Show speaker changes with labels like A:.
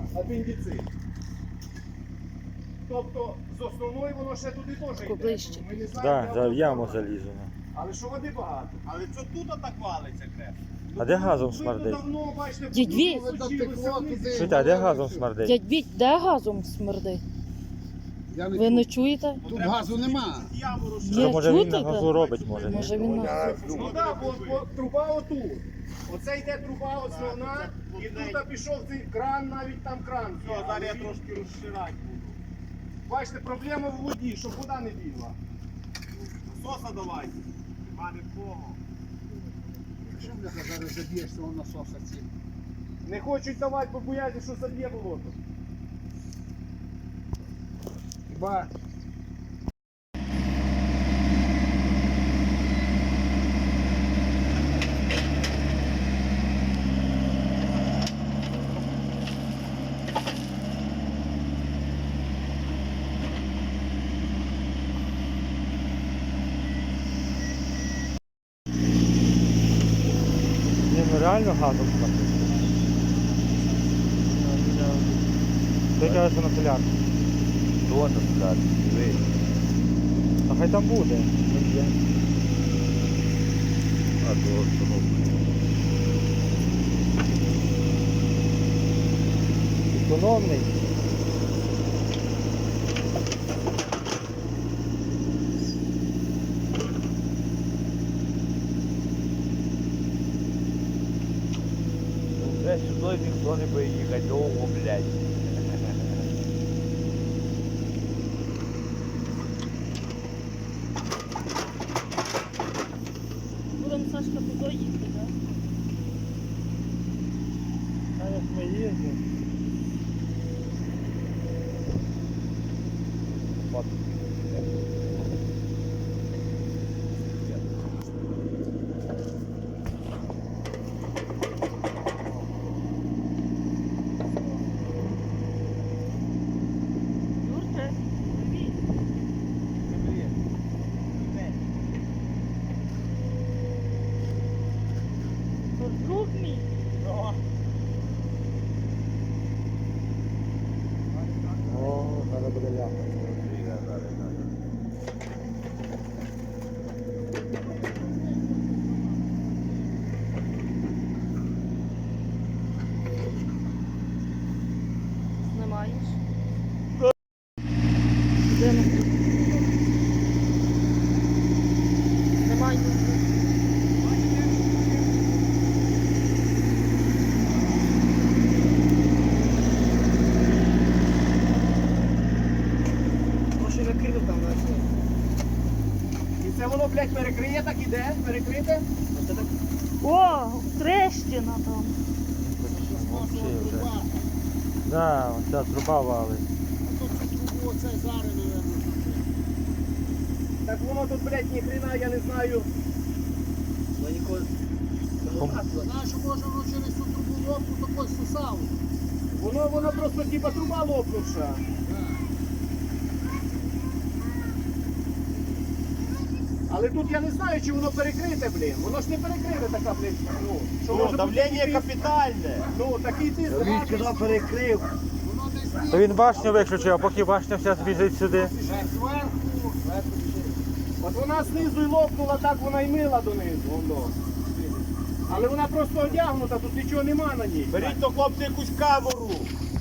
A: апендицит. Тобто з основної воно ще туди теж йде.
B: Поближче.
A: Ми не знаємо,
C: Так,
A: де воно
C: в яму
A: впливає.
C: залізено.
A: Але що води багато.
D: Але що тут так валиться крепко?
C: А де газом
A: Видно,
C: смердить?
A: давно, бачите,
B: Дідь Віть!
A: случилося вниз.
C: Чуєте, а де газом смердить?
B: Дядь Віть, де газом смердить?
E: Я не
B: Ви не
E: чую.
B: чуєте?
E: Тут газу нема.
D: Яму
B: Є,
C: Що, може він на
B: чути,
C: газу
B: так?
C: робить, може? ні?
B: Може він на...
A: Ну так, бо труба отут. Оце йде труба основна, і тут пішов цей кран, навіть там кран.
D: Все, зараз я трошки розширати буду.
A: Бачите, проблема в воді, щоб вода не бігла.
D: Насоса давайте. Нема нікого.
E: Що бляха зараз заб'єш цього насоса цим?
A: Не хочуть давати, бо бояться, що заб'є болото.
E: Хіба
C: Ні, ну реально газом смердить. Ти кажеш, що на солярку.
D: Хто там сказати? Диви.
C: А хай там буде.
D: А то
C: Економний.
D: вже сюди ніхто не буде їхати довго, блядь.
B: Будемо, Сашка, туди їхати, так?
C: А як ми їздимо?
B: Юрче, привіт. Друг мій.
C: О, зараз буде ляпа.
B: Знімаєш? Йдемо. Знімай.
A: Прошу накрив там на все. І це воно, блядь, перекриє, так іде, перекрите.
B: О, трещина там.
C: Вообще вже. Да, оця труба валить.
E: а тут цю трубу оце зараз, мабуть.
A: Так воно тут, блядь, ні хрена, я не знаю.
E: Знаєш, що може воно через цю трубу лопну такой сусав.
A: Воно просто типа труба лопнувша. Але тут я не знаю, чи воно перекрите, блін. Воно ж не перекрите така, блін. Ну, що може бути
D: давлення
A: такий тиск.
D: капітальне.
A: Ну, такий тиск. гарний.
D: перекрив.
E: Воно десь
C: То він башню виключив, а поки башня вся збіжить сюди.
E: зверху.
A: От вона знизу і лопнула, так вона й мила донизу. Воно. Але вона просто одягнута, тут нічого нема на ній.
D: Беріть до хлопця якусь камеру.